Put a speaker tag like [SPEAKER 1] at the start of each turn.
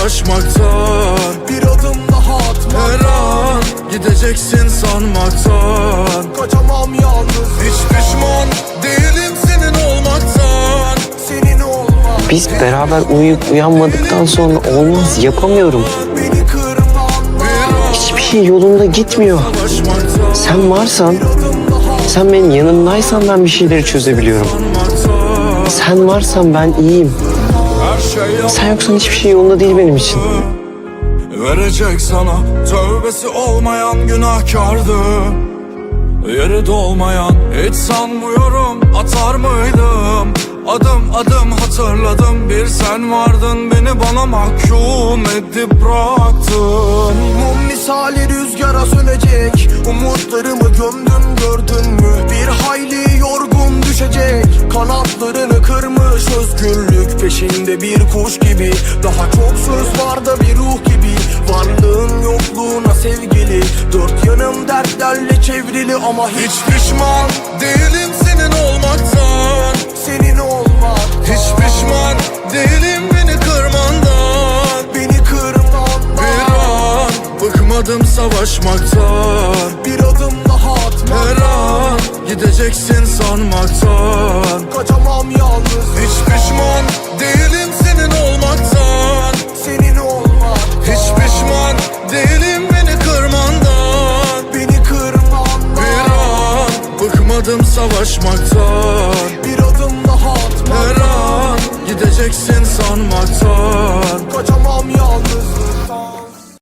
[SPEAKER 1] savaşmaktan.
[SPEAKER 2] Bir adım daha atmaktan.
[SPEAKER 1] Her an gideceksin sanmaktan.
[SPEAKER 2] Kaçamam yalnız.
[SPEAKER 1] Hiç pişman değilim senin olmaktan.
[SPEAKER 2] Senin olmak.
[SPEAKER 3] Biz beraber uyuyup uyanmadıktan sonra olmaz, yapamıyorum.
[SPEAKER 2] Beni kırman.
[SPEAKER 3] Hiçbir şey yolunda gitmiyor.
[SPEAKER 1] Savaşmaktan.
[SPEAKER 3] Sen varsan,
[SPEAKER 2] Adım daha
[SPEAKER 3] sen benim yanımdaysan ben bir şeyleri çözebiliyorum. Sen varsan ben iyiyim.
[SPEAKER 1] Her şey yalan.
[SPEAKER 3] Sen yoksan hiçbir şey yolunda değil benim için.
[SPEAKER 1] Verecek sana tövbesi olmayan günahkardı. Yeri dolmayan hiç sanmıyorum atar mıydım. Adım adım hatırladım, bir sen vardın, beni bana mahkum edip bıraktın.
[SPEAKER 2] mum misali rüzgara sönecek. Umutlarımı gömdüm gördün mü? Bir hayli yorgun düşecek. Kanatlarını kırmış özgürlük peşinde bir kuş gibi. Daha çok söz var da bir ruh gibi. Varlığın yokluğuna sevgili. Dört yanım dertlerle çevrili ama hiç
[SPEAKER 1] Pişman değilim senin olmaktan.
[SPEAKER 2] senin olmak.
[SPEAKER 1] Hiç pişman değilim beni kırmandan.
[SPEAKER 2] Beni kırman.
[SPEAKER 1] Bir an bıkmadım savaşmaktan.
[SPEAKER 2] Bir adım daha atmak.
[SPEAKER 1] Her an gideceksin sanmaktan.
[SPEAKER 2] Kaçamam yalnız.
[SPEAKER 1] Hiç pişman değilim senin olmaktan.
[SPEAKER 2] Senin olmak.
[SPEAKER 1] Hiç pişman değilim beni kırmandan.
[SPEAKER 2] Beni kırman.
[SPEAKER 1] Bir an bıkmadım savaşmaktan.
[SPEAKER 2] Bir adım daha atmak.
[SPEAKER 1] Her an gideceksin sanmaktan.
[SPEAKER 2] Kaçamam yalnız.